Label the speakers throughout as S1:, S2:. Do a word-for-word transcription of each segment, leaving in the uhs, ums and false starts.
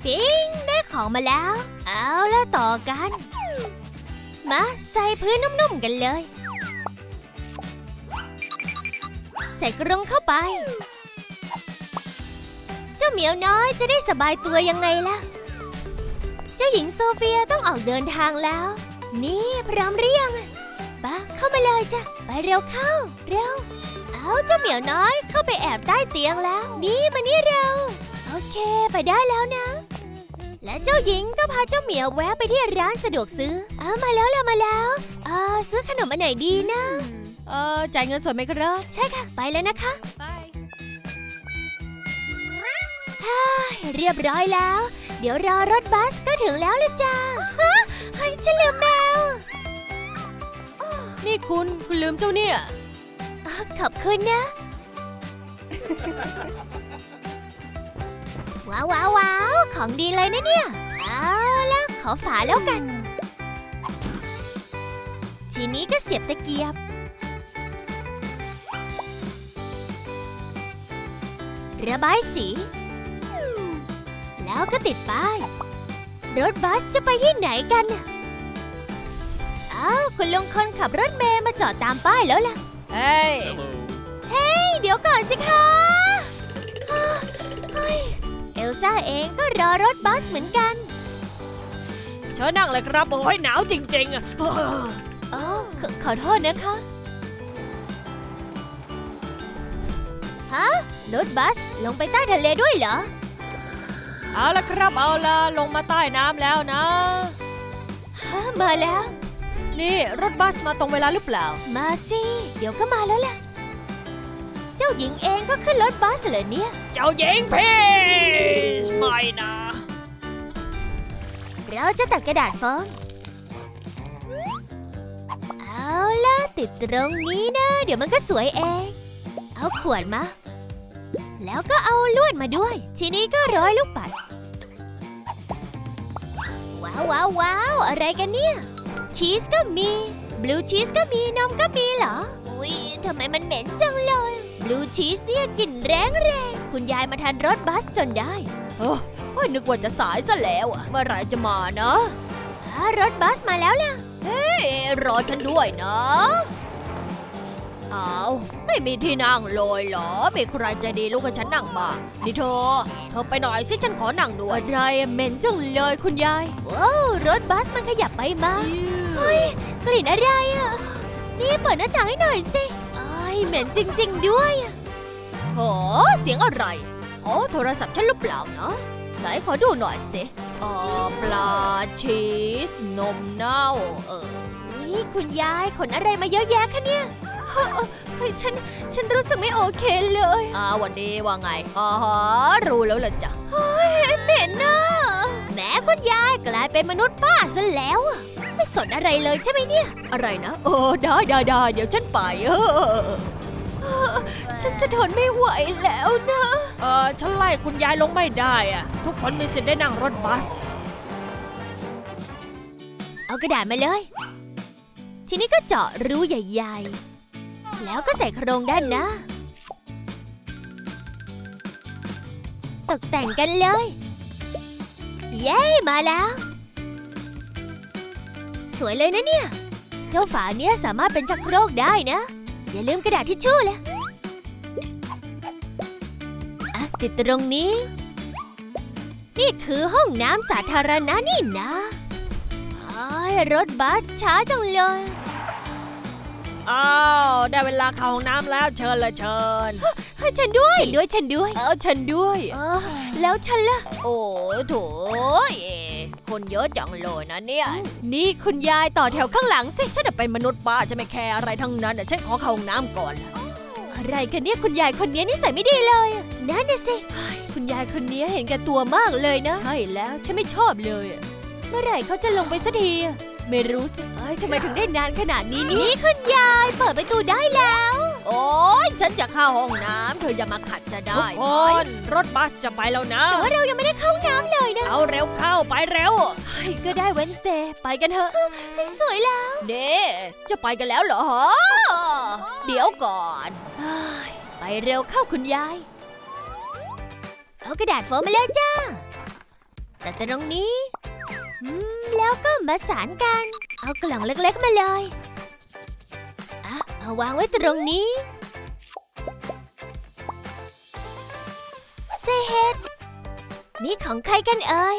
S1: ปิ๊งได้ของมาแล้ว เอาละต่อกันมาใส่พื้นนุ่มๆกันเลยใส่กรงเข้าไปเจ้าเหมียวน้อยจะได้สบายตัวยังไงล่ะเจ้าหญิงโซเฟียต้องออกเดินทางแล้วนี่พร้อมหรือยังปะเข้ามาเลยจ้ะไปเร็วเข้าเร็วเอาเจ้าเหมียวน้อยเข้าไปแอบใต้เตียงแล้วนี่มานี่เร็วโอเคไปได้แล้วนะและเจ้าหญิงก็พาเจ้าเหมียวแวะไปที่ร้านสะดวกซื้อเอามาแล้วล่ะมาแล้วเออซื้อขนมอันไหนดีนะ
S2: เออจ่ายเงินสดไหมครับ
S1: ใช่ค่ะไปแล้วนะคะเรียบร้อยแล้วเดี๋ยวรอรถบัสก็ถึงแล้วเลยจ้าฮะเฮ้ยฉันลืมแมว
S2: นี่คุณคุณลืมเจ้าเนี่ย
S1: ขอบคุณนะว้าวว้าวว้าวของดีเลยนะเนี่ยเอาล่ะขอฝาแล้วกันทีนี้ก็เสียบตะเกียบระบายสีแล้วก็ติดป้ายรถบัสจะไปที่ไหนกันอ้าวคุณลุงคนขับรถเมล์มาจอดตามป้ายแล้วล่ะ
S2: เฮ้ย
S1: เฮ้ยเดี๋ยวก่อนสิคะเฮ้ยเอลซ่าเองก็รอรถบัสเหมือนกัน
S2: เชิญนั่งเลยครับโอ้ยหนาวจริงๆอ่ะ
S1: อ๋อขอขอโทษนะคะฮะรถบัสลงไปใต้ทะเลด้วยเหรอ
S2: เอาละครับเอาละลงมาใต้น้ำแล้วนะ
S1: มาแล้ว
S2: นี่รถบัสมาตรงเวลาหรือเปล่า
S1: มาสิเดี๋ยวก็มาแล้วแหละเจ้าหญิงเองก็ขึ้นรถบัสเลยเนี่ย
S2: เจ้าหญิงพี่ไม่นะ
S1: เราจะตัดกระดาษโฟมเอาล่ะติดตรงนี้นะเดี๋ยวมันก็สวยเองเอาขวดมาแล้วก็เอาลวดมาด้วยทีนี้ก็ร้อยลูกปัดว้าวว้าวว้าวอะไรกันเนี่ยชีสก็มีบลูชีสก็มีนมก็มีเหรออุ๊ยทำไมมันเหม็นจังเลยบลูชีสเนี่ยกลิ่นแรงแรงคุณยายมาทันรถบัสจนได้
S2: โอ้ยนึกว่าจะสายซะแล้วอะเมื่อไหร่จะมาเนาะ
S1: รถบัสมาแล้วล่ะ
S2: เฮ้ยรอฉันด้วยนะอ้าวไม่มีที่นั่งเลยเหรอมีใครใจดีลูกกับฉันนั่งบ้างนี่เธอเธอไปหน่อยสิฉันขอนั่งด้วย
S1: อะไรเหม็นจังเลยคุณยายว้าวรถบัสมันขยับไปมาเฮ้ยกลิ่นอะไรอ่ะนี่เปิดหน้าต่างให้หน่อยสิเอ้ยเหม็นจริงๆด้วย
S2: โหเสียงอะไรโอ้โทรศัพท์ฉันหรือเปล่าเนาะไหนขอดูหน่อยสิอ๋อปลาชีสนมเน่าเออ
S1: นี่คุณยายขนอะไรมาเยอะแยะคะเนี่ยเฮ้ยฉันฉันรู้สึกไม่โอเคเลย
S2: อ่าวันดีว่าไงอ๋อรู้แล้วล่ะจ้ะ
S1: เฮ้ยเหม็นน่ะแหมคุณยายกลายเป็นมนุษย์ป้าซะแล้วไม่สนอะไรเลยใช่ไหมเนี่ย
S2: อะไรนะโอ้ได้ได้ได้เดี๋ยวฉันไปเอ
S1: อฉันจะทนไม่ไหวแล้วนะ
S2: เออฉันไล่คุณยายลงไม่ได้อะทุกคนมีสิทธิ์ได้นั่งรถบัส
S1: เอากระดาษมาเลยทีนี้ก็เจาะรูใหญ่ๆแล้วก็ใส่โครงด้านหน้าตกแต่งกันเลยเย้มาแล้วสวยเลยนะเนี่ยเจ้าฝาเนี้ยสามารถเป็นชักโครกได้นะอย่าลืมกระดาษทิชชู่เลยอ่ะติดตรงนี้นี่คือห้องน้ำสาธารณะนี่นะรถบัสช้าจังเลย
S2: อ้าวได้เวลาเข้าห้องน้ำแล้วเชิญเลยเชิญ
S1: ให้ฉันด้วยฉันด้วยฉันด้วย
S2: เออฉันด้วย
S1: เออแล้วฉันล่ะ
S2: โอ้โถคนเยอะจังเลยนะเนี่ย
S1: นี่คุณยายต่อแถวข้างหลังสิ
S2: ฉันเป็นมนุษย์ป้าจะไม่แคร์อะไรทั้งนั้นฉันขอเข้าห้องน้ำก่อน
S1: อะไรกันเนี่ยคุณยายคนนี้นิสัยไม่ดีเลยนั่นน่ะสิคุณยายคนนี้เห็นแก่ตัวมากเลยนะ
S2: ใช่แล้วฉันไม่ชอบเลย
S1: เมื่อไหร่เขาจะลงไปสักทีไม่รู้สิเอ้ยทำไมถึงได้นานขนาดนี้นี่คุณยายเปิดประตูได้แล้ว
S2: โอ๊ยฉันจะเข้าห้องน้ำเธออย่ามาขัดจะได้ทุกคนรถบัสจะไปแล้วนะ
S1: แต่ว่าเรายังไม่ได้เข้าห้องน้ำเลยนะ
S2: เอาเร็วเข้าไปเร็ว
S1: ก็ได้เวนสเดย์ไปกันเถอะสวยแล้ว
S2: เด้จะไปกันแล้วเหรอเดี๋ยวก่อน
S1: ไปเร็วเข้าคุณยายเอากระดาษโฟมมาเลยจ้าแต่ตรงนี้อืมแล้วก็มาสานกัน เอากล่องเล็กๆมาเลยอ่ะเอาวางไว้ตรงนี้เซเฮดนี่ของใครกันเอ่ย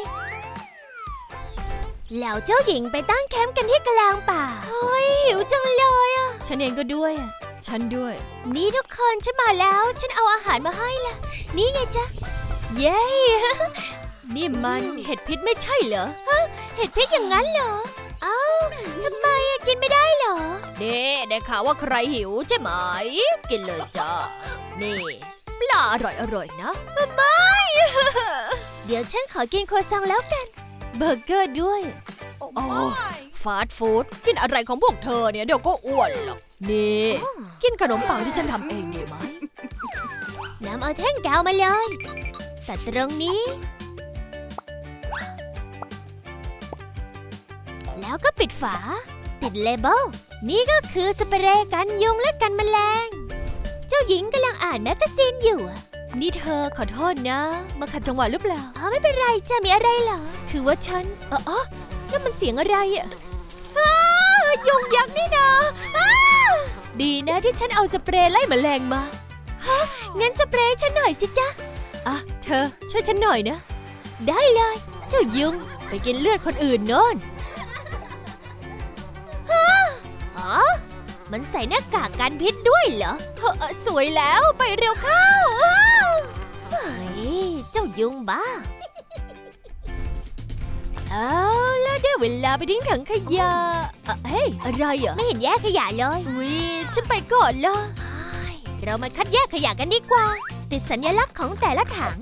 S1: แล้วเจ้าหญิงไปตั้งแคมป์กันที่กลางป่าเฮ้ยหิวจังเลยอ่ะ
S2: ฉันเองก็ด้วยอะฉันด้วย
S1: นี่ทุกคนฉันมาแล้วฉันเอาอาหารมาให้ละนี่ไงจ๊ะเย้
S2: นี่มันเห็ดพิษไม่ใช่เหรอ
S1: เห็ดพิษอย่างนั้นเหรอเอ้าทำไมอะกินไม่ได้เหรอ
S2: เด้ได้ข่าวว่าใครหิวใช่ไหม กินเลยจ้า นี่ปลาอร่อยอร่อยๆนะ
S1: เดี๋ยวฉันขอกินโครัวซองแล้วกันเบอร์เกอร์ด้วย
S2: โอ้ฟาสต์ฟู้ดกินอะไรของพวกเธอเนี่ยเดี๋ยวก็อ้วนหรอก นี่ กินขนมปังที่ฉันทำเองดีไหม
S1: นำเอาแท่งกาวมาเลยแต่ตรงนี้ แล้วก็ปิดฝาติดเลเบลนี่ก็คือสเปรย์กันยุงและกันแมลง เจ้าหญิงกำลังอ่านแมกกาซีนอยู่อะ
S2: นี่เธอขอโทษนะ มาขัดจังหวะหรือเปล่า
S1: อ๋อไม่เป็นไรจะมีอะไรเหรอ
S2: คือว่าฉันเออเออนั่นมันเสียงอะไรอะ
S1: อ้าวยุงยักษ์นี่นะอ้าว
S2: ดีนะที่ฉันเอาสเปรย์ไล่แมลงมา
S1: งั้นสเปรย์ฉันหน่อยสิจ๊ะ
S2: อ่ะเธอช่วยฉันหน่อยนะ
S1: ได้เลย
S2: เจ้ายุงไปกินเลือดคนอื่นโน่น
S1: อ๋อมันใส่หน้ากากกันพิษด้วยเหรอ
S2: เออสวยแล้วไปเร็วเข้า
S1: เฮ้ยเจ้ายุงบ้า
S2: เอาแล้วได้เวลาไปทิ้งถังขยะเอ่อเฮ้ยอะไรอ่ะ
S1: ไม่เห็นแยกขยะเลย
S2: อุ๊ยฉันไปก่อนละ
S1: เฮ้ยเรามาคัดแยกขยะกันดีกว่า ติดสัญลักษณ์ของแต่ละถัง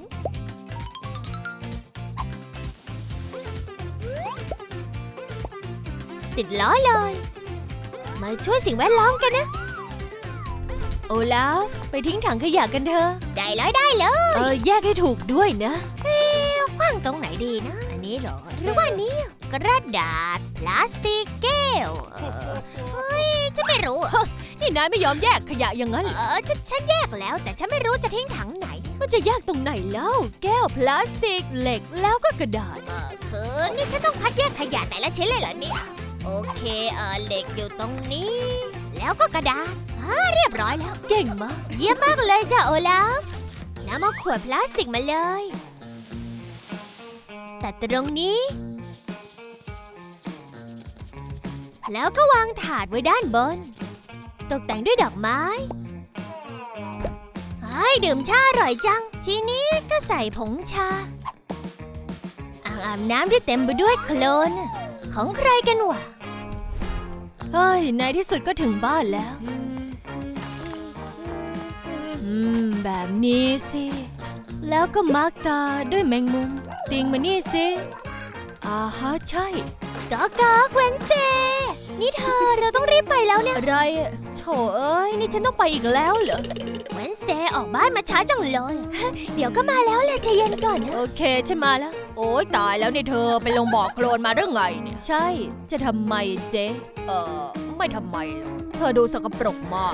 S1: ติดล้อเลย มาช่วยสิ่งแวดล้อมกันนะ
S2: โอลาฟไปทิ้งถังขยะกันเถอะ
S1: ได้เลยได้เลย
S2: เออแยกให้ถูกด้วยนะ
S1: ขว้างตรงไหนดีนะ อันนี้เหรอ หรือว่าอันนี้กระดาษ พลาสติกแก้วเออเฮ้ยฉันไม่รู้อะ
S2: นี่นายไม่ยอมแยกขยะอย่างนั้น
S1: เออฉันฉันแยกแล้ว แต่ฉันไม่รู้จะทิ้งถังไหน
S2: มันจะแยกตรงไหนแล้ว แก้วพลาสติกเหล็กแล้วก็กระดาษ
S1: เออคือนี่ฉันต้องคัดแยกขยะแต่ละชิ้นเลยเหรอเนี่ย โอเคเออเหล็กอยู่ตรงนี้ แล้วก็กระดาษอ่าเรียบร้อยแล้ว
S2: เก่งมาก
S1: เยี่ยมมากเลยจ้ะโอลาฟนำเอาขวดพลาสติกมาเลย แต่ตรงนี้ แล้วก็วางถาดไว้ด้านบน ตกแต่งด้วยดอกไม้เฮ้ยดื่มชาอร่อยจัง ทีนี้ก็ใส่ผงชา อ่างอาบน้ำที่เต็มไปด้วยโคลน ของใครกันวะ
S2: เฮ้ยในที่สุดก็ถึงบ้านแล้ว อืม แบบนี้สิ แล้วก็มาร์กตาด้วยแมงมุม ติงมานี่สิอ่าฮะใช่
S1: ก๊อกก๊อกเวนสเดย์นี่เธอเราต้องรีบไปแล้วเนี่ย
S2: อะไรอะโถเอ้ย นี่ฉันต้องไปอีกแล้วเหรอ
S1: เวนสเดย์ออกบ้านมาช้าจังเลย เดี๋ยวก็มาแล้วแหละใจเย็นก่อนนะ
S2: โอเคฉันมาแล้ว โอ้ยตายแล้วเนี่ยเธอไปลงบ่อโคลนมาเรื่องไงเนี่ย ใช่ จะทำไมเจ๊เออไม่ทำไมหรอกเธอดูสกปรกมาก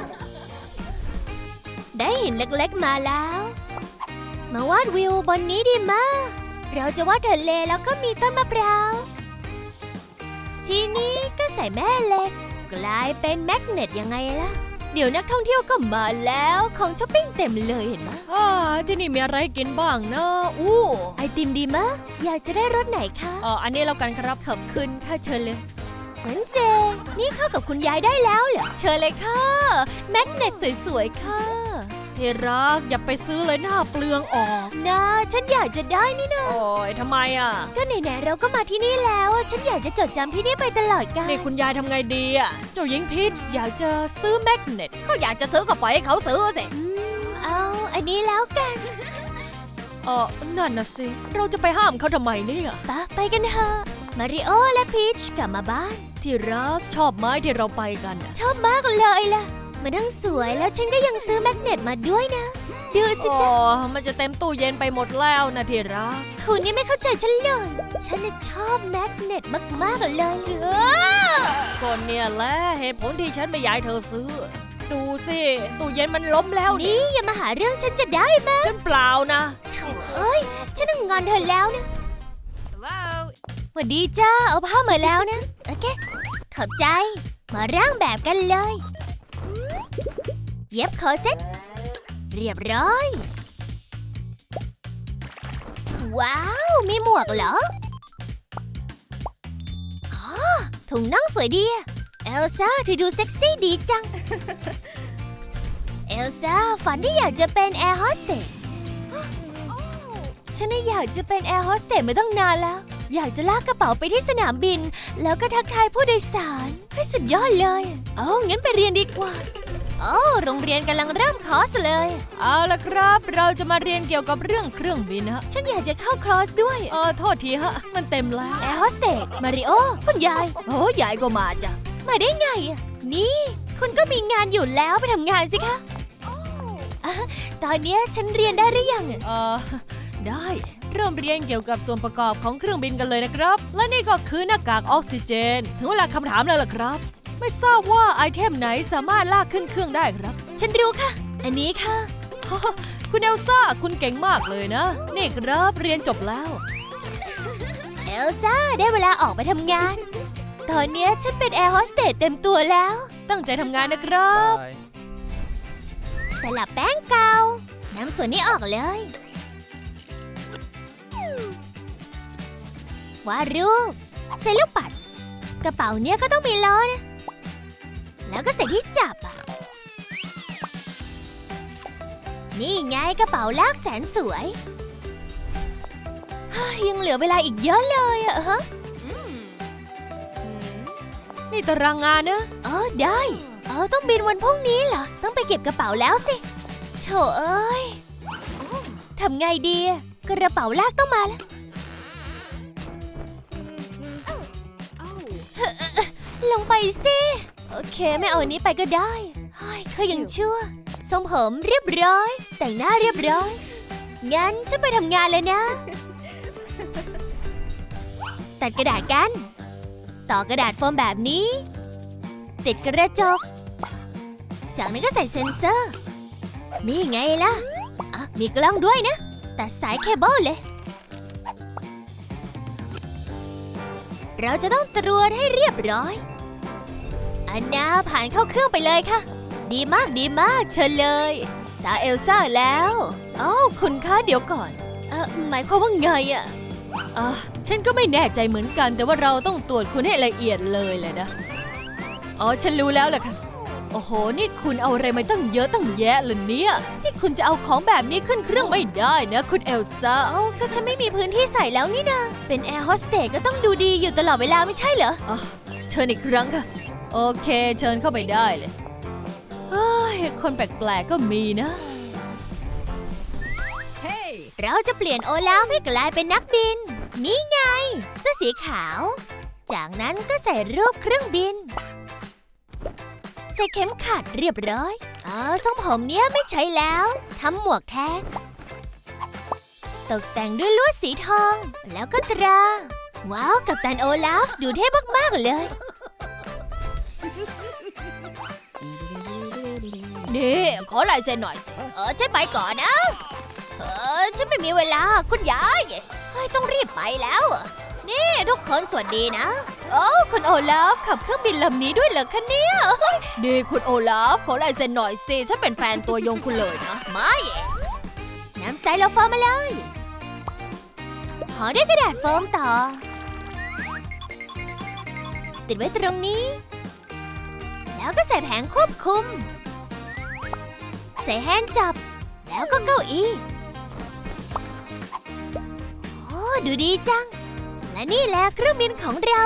S1: ได้หินเล็กๆมาแล้ว มาวาดวิวบนนี้ดีมาก เราจะวาดทะเลแล้วก็มีต้นมะพร้าว ทีนี้ก็ใส่แม่เหล็ก กลายเป็นแมกเนตยังไงล่ะ
S2: เดี๋ยวนักท่องเที่ยวก็มาแล้วของช้อปปิ้งเต็มเลยเห็นไหมอ่าที่นี่มีอะไรกินบ้างนะอู้
S1: ไอติมดีมะอยากจะได้รสไหนคะ
S2: เอออันนี้แล้วกันครับขอบคุณค่ะเชิญเลย
S1: เวนเซนี่เข้ากับคุณยายได้แล้วเหรอ
S2: เชิญเลยค่ะแมกเนตสวยๆค่ะที่รักอย่าไปซื้อเลยหน้าเปลืองออก
S1: นะฉันอยากจะได้นี่นะ
S2: โอ้ยทำไมอ่ะ
S1: ก็ไหนๆเราก็มาที่นี่แล้ว ฉันอยากจะจดจำที่นี่ไปตลอดกาล
S2: นี่คุณยายทำไงดีอ่ะเจ้าหญิงพีชอยากจะซื้อแมกเนตเขาอยากจะซื้อก็ปล่อยให้เขาซื้อสิ
S1: อืมเอาอันนี้แล้วกัน
S2: เออนั่นนะสิเราจะไปห้ามเขาทำไมเนี่ย
S1: ปะไปกันเถอะมาริโอและพีชกลับมาบ้าน
S2: ที่รักชอบไม้ที่เราไปกันน่ะ
S1: ชอบมากเลยล่ะมันทั้งสวยแล้วฉันก็ยังซื้อแมกเนตมาด้วยนะ ดูสิ
S2: โอ้
S1: จ๊ะ
S2: มันจะเต็มตู้เย็นไปหมดแล้วนะที่รัก
S1: คุณนี่ไม่เข้าใจฉันเลย ฉันน่ะชอบแมกเนตมากๆเลยเออ
S2: ก็เนี่ยแหละเหตุผลที่ฉันไม่อยากให้เธอซื้อ ดูสิตู้เย็นมันล้มแล้วนี่
S1: นี่อย่ามาหาเรื่องฉันจะได้ไหม
S2: ฉันเปล่านะ
S1: โถ่เอ้ยฉันต้องงอนเธอแล้วนะสวัสดีจ้าเอาผ้ามาแล้วนะโอเคขอบใจมาร่างแบบกันเลยเย็บคอเซ็ตเรียบร้อยว้าวมีหมวกเหรออ๋อถุงน่องสวยดีเอลซ่าเธอดูเซ็กซี่ดีจัง เอลซ่าฝันที่อยากจะเป็นแอร์โฮสเตสฉันน่ะอยากจะเป็นแอร์โฮสเตสมาตั้งนานแล้วอยากจะลากกระเป๋าไปที่สนามบินแล้วก็ทักทายผู้โดยสารให้สุดยอดเลยโอ้งั้นไปเรียนดีกว่าโอ้โรงเรียนกำลังเริ่มคอร์สเลย
S2: เอาละครับเราจะมาเรียนเกี่ยวกับเรื่องเครื่องบินฮะ
S1: ฉันอยากจะเข้าคอร์สด้วย
S2: เออโทษทีฮะมันเต็มแล้ว
S1: แอร์โฮสเตสมาริโอคุณยาย
S2: โอ้ยายก็มาจ้ะ
S1: มาได้ไงอะนี่คุณก็มีงานอยู่แล้วไปทำงานสิคะอะตอนเนี้ยฉันเรียนได้หรือยังอะ
S2: เออได้เริ่มเรียนเกี่ยวกับส่วนประกอบของเครื่องบินกันเลยนะครับและนี่ก็คือหน้ากากออกซิเจนถึงเวลาคำถามแล้วล่ะครับไม่ทราบว่าไอเทมไหนสามารถลากขึ้นเครื่องได้ครับ
S1: ฉันรู้ค่ะ อันนี้ค่ะ
S2: คุณเอลซ่าคุณเก่งมากเลยนะนี่ครับเรียนจบแล้ว
S1: เอลซ่าได้เวลาออกไปทำงาน ตอนเนี้ยฉันเป็นแอร์โฮสเตสเต็มตัวแล้ว
S2: ตั้งใจทำงานนะครับ
S1: แต่ละแป้งเกาน้ำส่วนนี้ออกเลยวาดรูปใส่ลูกปัดกระเป๋าเนี้ยก็ต้องมีล้อนะแล้วก็ใส่ที่จับอ่ะนี่ไงกระเป๋าลากแสนสวยเฮ้ยยังเหลือเวลาอีกเยอะเลยอะฮะ
S2: นี่ตารางงานนะ
S1: เออได้เออต้องบินวันพรุ่งนี้เหรอต้องไปเก็บกระเป๋าแล้วสิโถเอ้ยทำไงดีกระเป๋าลากต้องมาแล้วลงไปสิโอเคไม่เอาอันนี้ไปก็ได้เฮ้ยเขายังชั่วทรงผมเรียบร้อยแต่งหน้าเรียบร้อยงั้นฉันไปทำงานเลยนะตัดกระดาษกันต่อกระดาษโฟมแบบนี้ติดกระจกจากนั้นก็ใส่เซ็นเซอร์นี่ไงล่ะอ่ะมีกล้องด้วยนะตัดสายเคเบิลเลยเราจะต้องตรวจให้เรียบร้อยอันนาผ่านเข้าเครื่องไปเลยค่ะดีมากดีมากเชิญเลยตาเอลซ่าแล้วอ้าวคุณคะเดี๋ยวก่อนเออหมายความว่าไงอะ
S2: อ่ะฉันก็ไม่แน่ใจเหมือนกันแต่ว่าเราต้องตรวจคุณให้ละเอียดเลยแหละนะอ๋อฉันรู้แล้วแหละค่ะโอ้โหนี่คุณเอาอะไรมาตั้งเยอะตั้งแยะเลยเนี่ยนี่คุณจะเอาของแบบนี้ขึ้นเครื่องไม่ได้นะคุณเอลซ่า
S1: เอ้าก็ฉันไม่มีพื้นที่ใส่แล้วนี่นะเป็นแอร์โฮสเตสก็ต้องดูดีอยู่ตลอดเวลาไม่ใช่เหรอ
S2: อ๋อเชิญอีกครั้งค่ะโอเคเชิญเข้าไปได้เลยเฮ้ยคนแปลกๆก็มีนะ
S1: เราจะเปลี่ยนโอลาฟให้กลายเป็นนักบินนี่ไงเสื้อสีขาวจากนั้นก็ใส่รูปเครื่องบินใส่เข็มขัดเรียบร้อยเออทรงผมเนี้ยไม่ใช้แล้วทำหมวกแทนตกแต่งด้วยลวดสีทองแล้วก็ตราว้าวกัปตันโอลาฟดูเท่มากๆเลย
S2: นี่ขอลายเซ็นหน่อยสิ
S1: เออฉันไปก่อนนะเออฉันไม่มีเวลาคุณยายเฮ้ยต้องรีบไปแล้วนี่ทุกคนสวัสดีนะโอ้คุณโอลาฟขับเครื่องบินลำนี้ด้วยเหรอคะเนี่ย
S2: นี่คุณโอลาฟขอลายเซ็นหน่อยสิฉันเป็นแฟนตัวยงคุณเลยนะ
S1: ไม่น้ำใสเราโฟมมาเลยห่อด้วยกระดาษโฟมต่อติดไว้ตรงนี้แล้วก็ใส่แผงควบคุมใส่แฮนด์จับแล้วก็เก้าอี้โอ้ดูดีจังและนี่แหละเครื่องบินของเรา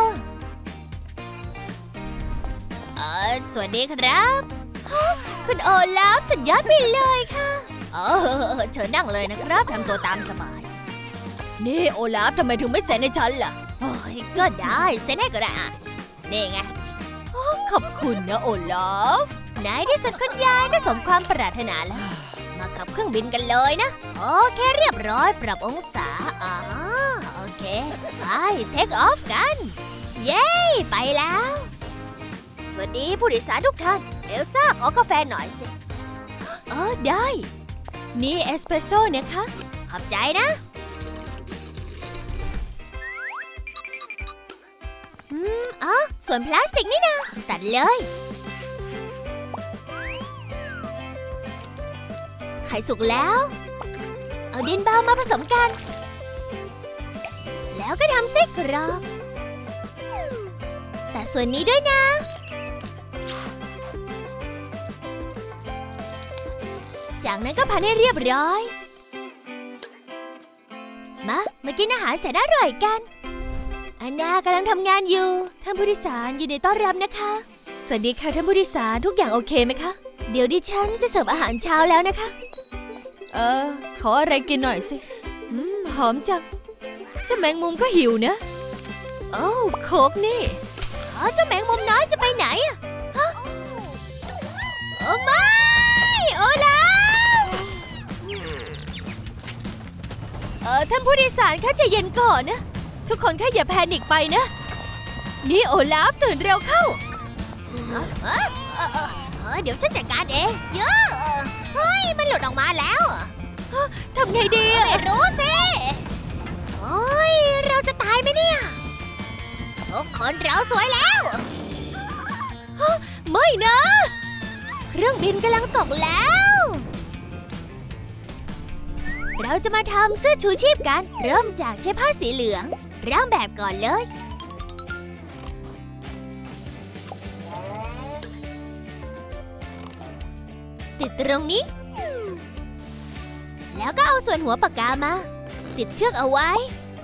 S1: เออสวัสดีครับคุณโอลาฟสุดยอดไปเลยค่ะเออเชิญนั่งเลยนะครับทำตัวตามสบาย
S2: นี่โอลาฟทำไมถึงไม่เซ็นให้ฉันล่ะ
S1: โอ้ยก็ได้เซ็นให้ก็ได้อ่ะนี่ไง
S2: ขอบคุณนะโอลาฟ
S1: ในที่สุดคุณยายก็สมความปรารถนาแล้วมาขับเครื่องบินกันเลยนะโอเคเรียบร้อยปรับองศาอ๋อโอเคไปเทคออฟกันเย้ไปแล้วสวัสดีผู้โดยสารทุกท่านเอลซ่าขอกาแฟหน่อยสิเออได้นี่เอสเปรสโซ่เนี่ยคะขอบใจนะส่วนพลาสติกนี่นะตัดเลยไข่สุกแล้วเอาดินเบามาผสมกันแล้วก็ทำไส้กรอกแต่ส่วนนี้ด้วยนะจากนั้นก็พันให้เรียบร้อยมามากินอาหารแสนอร่อยกันอันนากำลังทำงานอยู่ท่านผู้โดยสารยินดีต้อนรับนะคะสวัสดีค่ะท่านผู้โดยสารทุกอย่างโอเคไหมคะเดี๋ยวดิฉันจะเสิร์ฟอาหารเช้าแล้วนะคะเออขออะไรกินหน่อยสิอืมหอมจังเจ้าแมงมุมก็หิวนะโอ้โคกนี่อ๋อเจ้าแมงมุมน้อยจะไปไหนอะฮะโอ้ไม่โอลาฟเออท่านผู้โดยสารคะใจเย็นก่อนนะทุกคนแค่อย่าแพนิคไปนะนี่โอลาฟตื่นเร็วเข้าเออเออเออเออเดี๋ยวฉันจัดการเองเยอะเฮ้ยมันหลุดออกมาแล้วทำไงดีไม่รู้สิโอ้ยเราจะตายไหมเนี่ยทุกคนเราสวยแล้วไม่นะเครื่องบินกำลังตกแล้วเราจะมาทำเสื้อชูชีพกันเริ่มจากใช้ผ้าสีเหลืองร่างแบบก่อนเลยติดตรงนี้แล้วก็เอาส่วนหัวปากกามาติดเชือกเอาไว้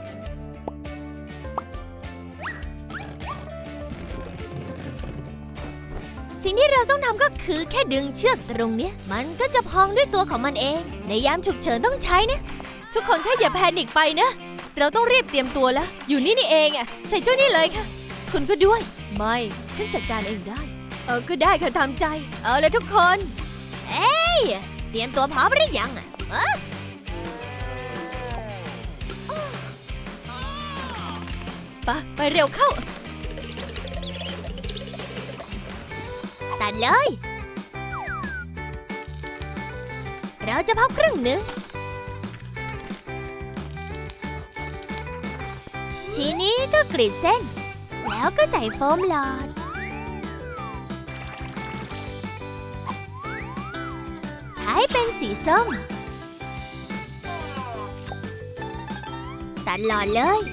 S1: สิ่งที่เราต้องทำก็คือแค่ดึงเชือกตรงเนี้ยมันก็จะพองด้วยตัวของมันเองในยามฉุกเฉินต้องใช้นะทุกคนแค่อย่าแพนิคไปนะเราต้องรีบเตรียมตัวแล้วอยู่นี่นี่เองอ่ะใส่เจ้านี่เลยค่ะคุณก็ด้วยไม่ฉันจัดการเองได้เออก็ได้ค่ะตามใจเอาเลยทุกคนเอ้ยเตรียมตัวพร้อมหรือยังอ่ะเออไปไปเร็วเข้าตัดเลยเราจะพับครึ่งหนึ่งทีนี้ก็กรีดเส้นแล้วก็ใส่โฟมหลอดให้เป็นสีส้มตัดหลอดเลย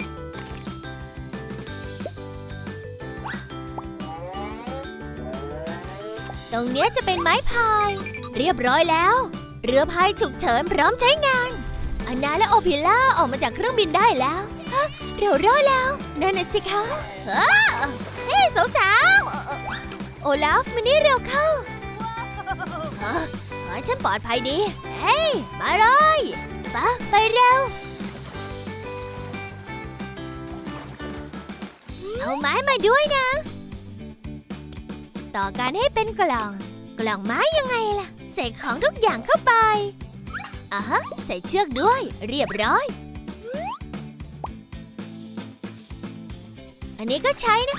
S1: ตรงเนี้ยจะเป็นไม้พายเรียบร้อยแล้วเรือพายฉุกเฉินพร้อมใช้งานอันนาและโอพิล่าออกมาจากเครื่องบินได้แล้วฮะเรารอดแล้วนั่นน่ะสิคะเฮ้เฮ้สาวๆโอลาฟมานี่เร็วเข้าเฮ้ยฉันปลอดภัยดีเฮ้ยมาเลยไปไปเร็วเอาไม้มาด้วยนะต่อการให้เป็นกล่องกล่องไม้ยังไงล่ะใส่ของทุกอย่างเข้าไปอ่ะฮะใส่เชือกด้วยเรียบร้อยอันนี้ก็ใช้นะ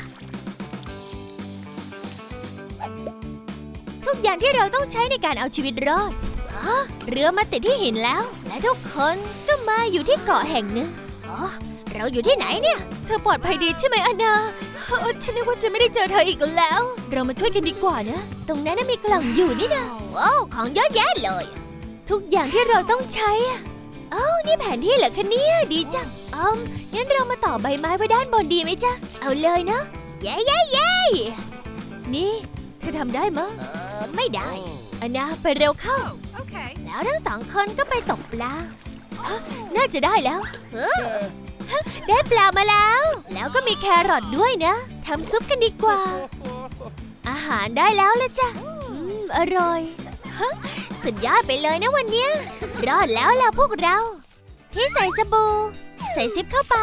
S1: ทุกอย่างที่เราต้องใช้ในการเอาชีวิตรอดอ๋อเรือมาติดที่หินแล้วและทุกคนก็มาอยู่ที่เกาะแห่งหนึ่งอ๋อเราอยู่ที่ไหนเนี่ยเธอปลอดภัยดีใช่ไหมอันนาฉันนึกว่าจะไม่ได้เจอเธออีกแล้วเรามาช่วยกันดีกว่านะตรงนั้นมีกล่องอยู่นี่นะว้าวของเยอะแยะเลยทุกอย่างที่เราต้องใช้อ่ะเอ้านี่แผนที่เหรอคะเนี่ยดีจังอืมงั้นเรามาต่อใบไม้ไว้ด้านบนดีไหมจ๊ะเอาเลยนะเย้เย้เย้นี่เธอทำได้มั้ยเออไม่ได้อันนาไปเร็วเข้าแล้วทั้งสองคนก็ไปตกปลาน่าจะได้แล้วเออได้ปลามาแล้วแล้วก็มีแครอทด้วยนะทำซุปกันดีกว่าอาหารได้แล้วละจ้ะอืมอร่อยสุดยอดไปเลยนะวันเนี้ยรอดแล้วล่ะพวกเราที่ใส่สบู่ใส่ซิปเข้าไป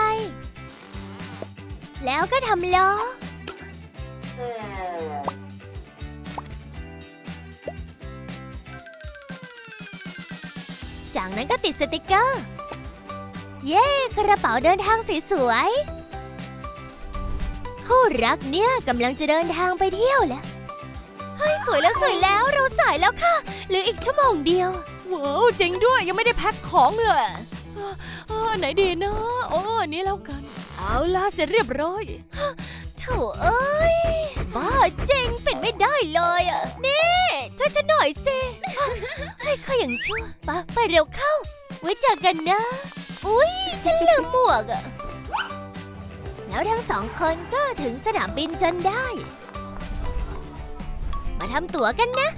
S1: แล้วก็ทำล้อจากนั้นก็ติดสติกเกอร์เย้กระเป๋าเดินทางสวยๆคู่รักเนี่ยกำลังจะเดินทางไปเที่ยวแล้วเฮ้ยสวยแล้วสวยแล้วเราสายแล้วค่ะเหลืออีกชั่วโมงเดียวว้าวจริงด้วยยังไม่ได้แพ็คของเลยอ๋อไหนดีนะโอ้อันนี้แล้วกันเอาล่ะเสร็จเรียบร้อยโถเอ้ยบ้าจริงเป็นไม่ได้เลยอ่ะนี่ช่วยฉันหน่อยสิให้ข้าอย่างชั่วปะไปเร็วเข้าไว้เจอกันนะอุ๊ยฉันลืมหมวกอ่ะแล้วทั้งสองคนก็ถึงสนามบินจนได้มาทำตั๋วกันนะ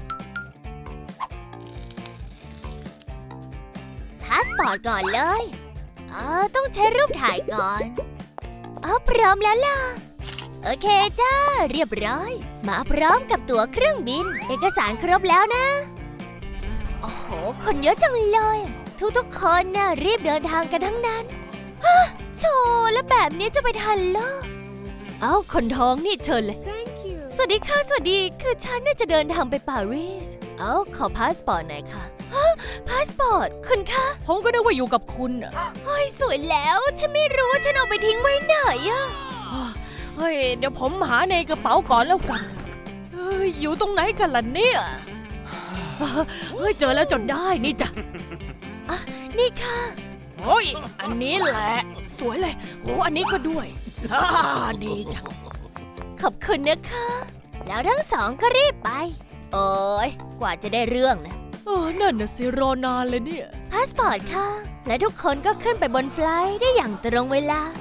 S1: พาสปอร์ตก่อนเลยเออต้องใช้รูปถ่ายก่อนเออพร้อมแล้วล่ะโอเคจ้าเรียบร้อยมาพร้อมกับตั๋วเครื่องบินเอกสารครบแล้วนะโอ้โหคนเยอะจังเลยทุกๆคนน่ะรีบเดินทางกันทั้งนั้นฮะโชแล้วแบบนี้จะไปทันเหรอเอ้าคนท้องนี่เชิญเลย สวัสดีค่ะสวัสดีคือฉันน่าจะเดินทางไปปารีสเอ้าขอพาสปอร์ตหน่อยค่ะฮะพาสปอร์ตคุณคะ
S2: ผมก็นึกว่าอยู่กับคุณอะ
S1: เฮ้ยสวยแล้วฉันไม่รู้ว่าฉันเอาไปทิ้งไว้ไหนอะ
S2: เฮ้ยเดี๋ยวผมหาในกระเป๋าก่อนแล้วกันเฮ้ยอยู่ตรงไหนกันล่ะเนี่ยเฮ้ยเจอแล้วจนได้นี่จ้ะ
S1: อ่ะนี่ค่ะ
S2: โอ้ยอันนี้แหละสวยเลยโอ้อันนี้ก็ด้วยอ่าดีจัง
S1: ขอบคุณนะคะแล้วทั้งสองก็รีบไปโอ้ยกว่าจะได้เรื่องนะ
S2: เออนั่นน่ะสิรอนานเลยเนี่ย
S1: พาสปอร์ตค่ะและทุกคนก็ขึ้นไปบนไฟลท์ได้อย่างตรงเวลา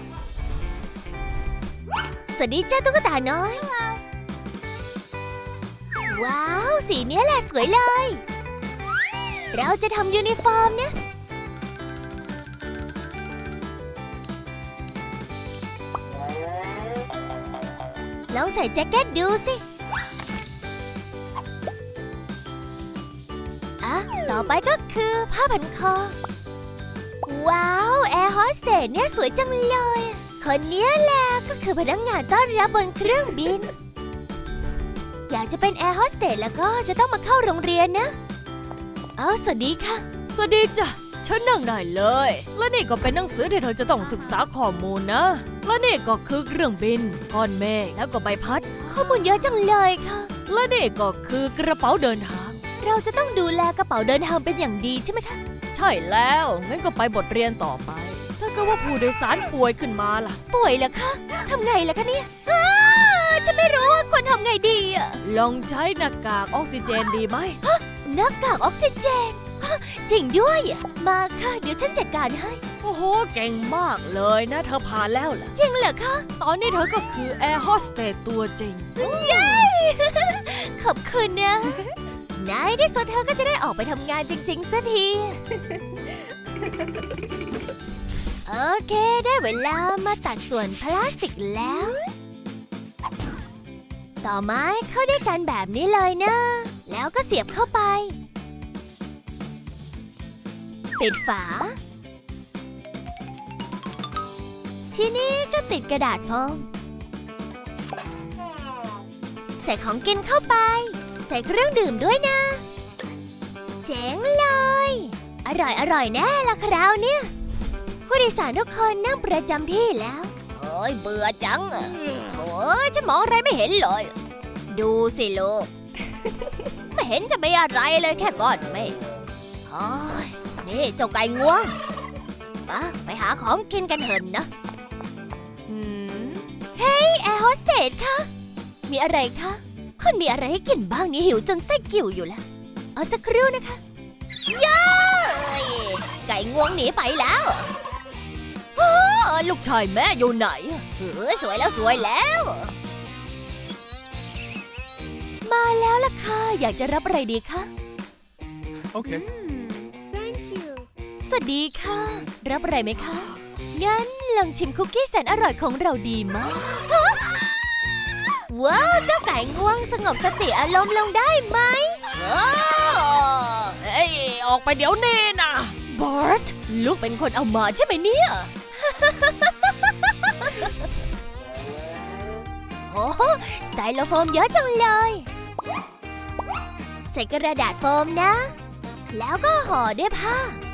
S1: สวัสดีจ้าตุ๊กตาน้อยว้าวสีนี้แหละสวยเลยเราจะทำยูนิฟอร์มนะลองใส่แจ็คเก็ตดูสิอ่ะต่อไปก็คือผ้าพันคอว้าวแอร์โฮสเตสเนี่ยสวยจังเลยคนนี้แหละก็คือพนักงานต้อนรับบนเครื่องบินอยากจะเป็นแอร์โฮสเตสแล้วก็จะต้องมาเข้าโรงเรียนนะเอ้าสวัสดีค่ะ
S2: สวัสดีจ้ะฉันนั่งได้เลยและนี่ก็เป็นหนังสือที่เธอจะต้องศึกษาข้อมูลนะและนี่ก็คือเครื่องบินก้อนเมฆแล้วก็ใบพัด
S1: ข้อมูลเยอะจังเลยค่ะ
S2: และนี่ก็คือกระเป๋าเดินทาง
S1: เราจะต้องดูแลกระเป๋าเดินทางเป็นอย่างดีใช่ไหมคะ
S2: ใช่แล้วงั้นก็ไปบทเรียนต่อไปถ้าเกิดว่าผู้โดยสารป่วยขึ้นมาล่ะ
S1: ป่วยเหรอคะทำไงล่ะคะเนี่ยอ้าฉันไม่รู้ว่าควรทำไงดีอะ
S2: ลองใช้หน้ากากออกซิเจนดีไหม
S1: หน้ากากออกซิเจนฮะจริงด้วยอะมาค่ะเดี๋ยวฉันจัดการให้
S2: โอ้โหเก่งมากเลยนะเธอผ่านแล้วล่ะ
S1: จริงเหรอคะ
S2: ตอนนี้เธอก็คือแอร์โฮสเตสตัวจริง
S1: เย้ ขอบคุณนะในที่สุดเธอก็จะได้ออกไปทำงานจริงๆสักที โอเคได้เวลามาตัดส่วนพลาสติกแล้ว ต่อไม้เข้าด้วยกันแบบนี้เลยนะ แล้วก็เสียบเข้าไป ปิดฝา ทีนี้ก็ติดกระดาษโฟมใส่ของกินเข้าไป ใส่เครื่องดื่มด้วยนะ เจ๋งเลย อร่อยอร่อยแน่ละคราวเนี่ยผู้โดยสารทุกคนนั่งประจำที่แล้วโอ้ยเบื่อจังอะโอ้ยจะมองอะไรไม่เห็นเลยดูสิลูก ไม่เห็นจะมีอะไรเลยแค่ก้อนเมฆโอ้ยนี่เจ้าไก่ง่วงปะไปหาของกินกันเถอะนะ
S2: อืม
S1: เฮ้ยแอร์โฮสเตสคะมีอะไรคะคุณมีอะไรให้กินบ้างนี่หิวจนไส้กิ่วอยู่แล้วเอาสักครู่นะคะย้ายไก่ง่วงหนีไปแล้วโอ้
S2: ลูกชายแม่อยู่ไหน
S1: เออสวยแล้วสวยแล้ว มาแล้วล่ะค่ะอยากจะรับอะไรดีคะ
S3: Okay.
S1: Thank you สวัสดีค่ะ รับอะไรไหมคะ งั้นลองชิมคุกกี้แสนอร่อยของเราดีไหมฮะว้าว เจ้าไก่ง่วงสงบสติอารมณ์ลงได้ไหมว้าว
S2: เฮ้ย ออกไปเดี๋ยวนี้นะ
S1: บอร์ตลูกเป็นคนเอามาใช่ไหมเนี่ย โอ้สไตโลโฟมเยอะจังเลย ใส่กระดาษโฟมนะ แล้วก็ห่อด้วยผ้า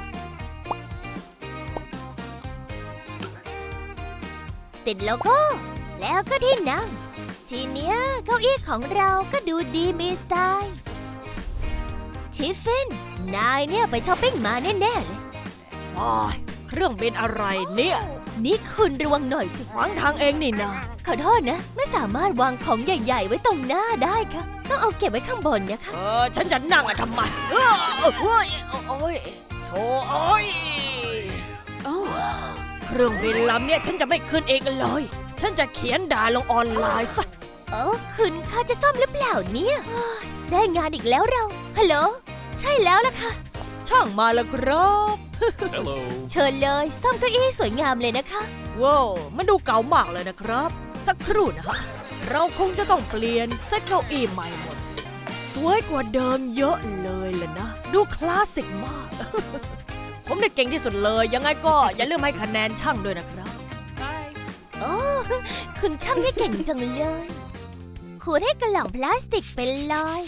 S1: ติดโลโก้ แล้วก็ที่นั่ง ทีเนี้ยเก้าอี้ของเราก็ดูดีมีสไตล์ ทิฟฟิน นายเนี่ยไปช้อปปิ้งมาแน่ๆเลย
S2: โอ้ยเครื่องบินอะไรเนี่ย
S1: นี่คุณระวังหน่อยสิ
S2: ขวางทางเองนี่นะ
S1: ขอโทษนะ ไม่สามารถวางของใหญ่ๆไว้ตรงหน้าได้ค่ะ ต้องเอาเก็บไว้ข้างบนนะคะ
S2: เออฉันจะนั่งอะทำไมเออโอ้ยโอ้ยโถโอ้ยเอ้าเครื่องบินลำเนี่ยฉันจะไม่ขึ้นเองเลย ฉันจะเขียนด่าลงออนไลน์ซะ
S1: เออคุณคะจะซ่อมหรือเปล่าเนี่ยเฮ้ยได้งานอีกแล้วเรา ฮัลโหล ใช่แล้วล่ะค่ะ
S2: ช่างมาแล้วครับ
S3: Hello.
S1: เชิญเลยซ่อมเก้าอี้ให้สวยงามเลยนะคะ
S2: ว้าวมันดูเก่ามากเลยนะครับ สักครู่นะฮะเราคงจะต้องเปลี่ยนเซ็ตเก้าอี้ใหม่หมด สวยกว่าเดิมเยอะเลยล่ะนะ ดูคลาสสิกมาก ผมได้เก่งที่สุดเลย ยังไงก็อย่าลืมให้คะแนนช่างด้วยนะครับ
S1: โอ้คุณช่างได้เก่งจังเลยขูดให้กระหล่องพลาสติกเป็นรอย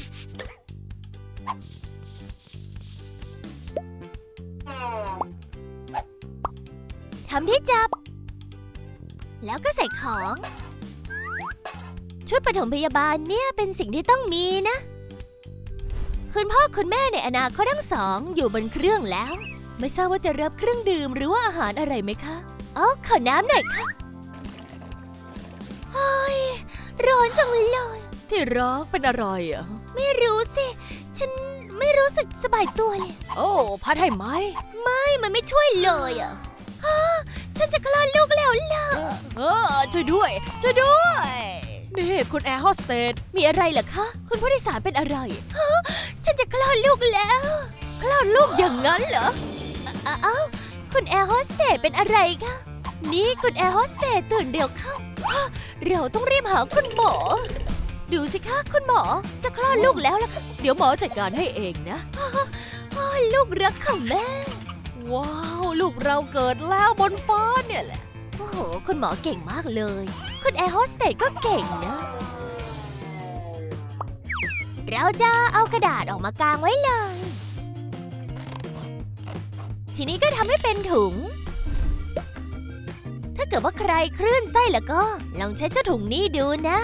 S1: ทำที่จับ แล้วก็ใส่ของ ชุดปฐมพยาบาลเนี่ยเป็นสิ่งที่ต้องมีนะ คุณพ่อคุณแม่ในอนาคตทั้งสองอยู่บนเครื่องแล้ว ไม่ทราบว่าจะรับเครื่องดื่มหรือว่าอาหารอะไรไหมคะอ๋อขอน้ำหน่อยค่ะเฮ้ยร้อนจังเลย
S2: ที่รักเป็นอะไรอ่ะ
S1: ไม่รู้สิ ฉันไม่รู้สึกสบายตัวเลย
S2: โอ้พัดให้ไหม
S1: ไม่มันไม่ช่วยเลยอ่ะฮะฉันจะคลอดลูกแล้วล่ะ
S2: เออช่วยด้วยช่วยด้วยนี่คุณแอร์โฮสเตส
S1: มีอะไรเหรอคะ คุณผู้โดยสารเป็นอะไรฮะฉันจะคลอดลูกแล้ว คลอดลูกอย่างนั้นเหรออ้าเอ้าคุณแอร์โฮสเตสเป็นอะไรคะนี่คุณแอร์โฮสเตสตื่นเร็วเข้าฮะเราต้องรีบหาคุณหมอ ดูสิคะคุณหมอจะคลอดลูกแล้วล่ะค่ะ
S2: เดี๋ยวหมอจัดการให้เองนะ
S1: อ้าวลูกรักของแม่
S2: ว้าวลูกเราเกิดแล้วบนฟ้าเนี่ยแหละ
S1: โอ้โห คุณหมอเก่งมากเลย คุณแอร์โฮสเตสก็เก่งนะ เราจะเอากระดาษออกมากางไว้เลย ทีนี้ก็ทำให้เป็นถุง ถ้าเกิดว่าใครคลื่นไส้แล้วก็ ลองใช้เจ้าถุงนี้ดูนะ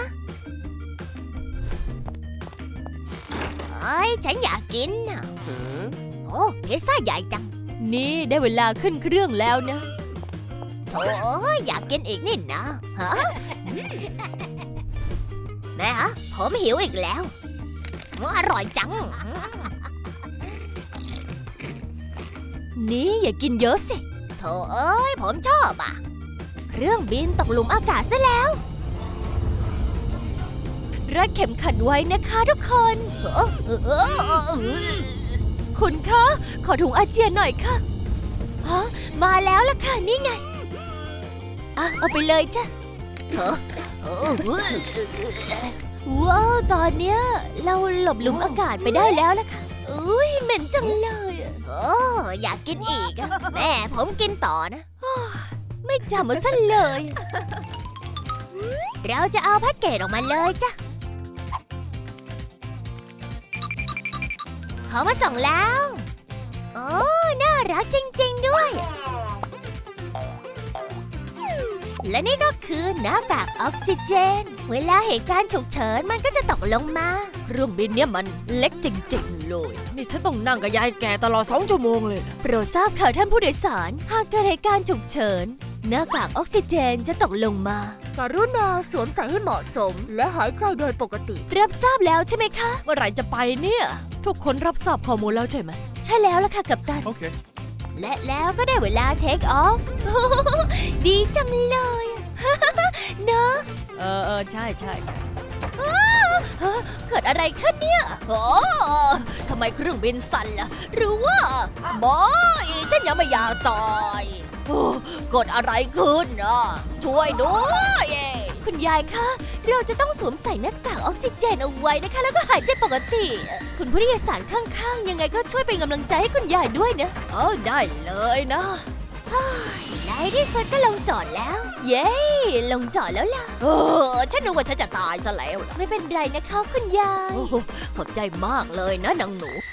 S1: เอ้ยฉันอยากกินน่ะโอ้พิซซ่าใหญ่จัง
S2: นี่ได้เวลาขึ้นเครื่องแล้วนะ
S1: โถ่อยากกินอีกนี่นะฮะแม่ฮะผมหิวอีกแล้วอร่อยจัง
S2: นี่อย่ากินเยอะสิ
S1: โถ่เอ้ยผมชอบอ่ะ เครื่องบินตกหลุมอากาศซะแล้ว
S2: รัดเข็มขัดไว้นะคะทุกคน
S1: เออเออเออเออ
S2: คุณคะ ขอถุงอาเจียนหน่อยค่ะ
S1: ฮะมาแล้วล่ะค่ะนี่ไง
S2: อ่ะ เอาไปเลยจ้ะ
S1: เออเออว้าวตอนเนี้ยเราหลบหลุมอากาศไปได้แล้วล่ะค่ะอุ้ยเหม็นจังเลยอะโอ้อยากกินอีกอะแม่ผมกินต่อนะ
S2: ไม่จำมาซะเลย
S1: เราจะเอาแพ็กเกจออกมาเลยจ้ะเขามาส่งแล้ว โอ้ น่ารักจริงๆด้วย และนี่ก็คือหน้ากากออกซิเจน เวลาเหตุการณ์ฉุกเฉินมันก็จะตกลงมา
S2: เครื่องบินเนี่ยมันเล็กจริงๆเลย นี่ฉันต้องนั่งกับยายแก่ตลอดสองชั่วโมงเลยนะ
S1: โปรดทราบข่าวท่านผู้โดยสาร หากเกิดเหตุการณ์ฉุกเฉิน หน้ากากออกซิเจนจะตกลงมา
S4: กรุณาสวมใส่ให้เหมาะสม และหายใจโดยปกติ
S1: รับทราบแล้วใช่ไหมคะ
S2: เมื่อไหร่จะไปเนี่ย ทุกคนรับทราบข้อมูลแล้วใช่ไหม
S1: ใช่แล้วล่ะค่ะกัปตัน
S3: Okay.
S1: และแล้วก็ได้เวลาเทคออฟ ดีจังเลย เนอะ
S2: เออเออใช่ใช่
S1: เกิดอะไรขึ้นเนี่ย
S2: โอ้ทำไมเครื่องบินสั่นล่ะ หรือว่าบอยฉันยังไม่อยากตายโอ้เกิดอะไรขึ้นอ่ะช่วยด้วย
S1: คุณยายคะ เราจะต้องสวมใส่หน้ากากออกซิเจนเอาไว้นะคะ แล้วก็หายใจปกติ คุณผู้โดยสารข้างๆ ยังไงก็ช่วยเป็นกำลังใจให้คุณยายด้วยนะ
S2: เออได้เลยนะ
S1: ในที่สุดก็ลงจอดแล้ว เย้ ลงจอดแล้วล่ะ
S2: เออฉันนึกว่าฉันจะตายซะแล้วล่ะ
S1: ไม่เป็นไรนะคะคุณยาย
S2: โอ้ขอบใจมากเลยนะนางหนู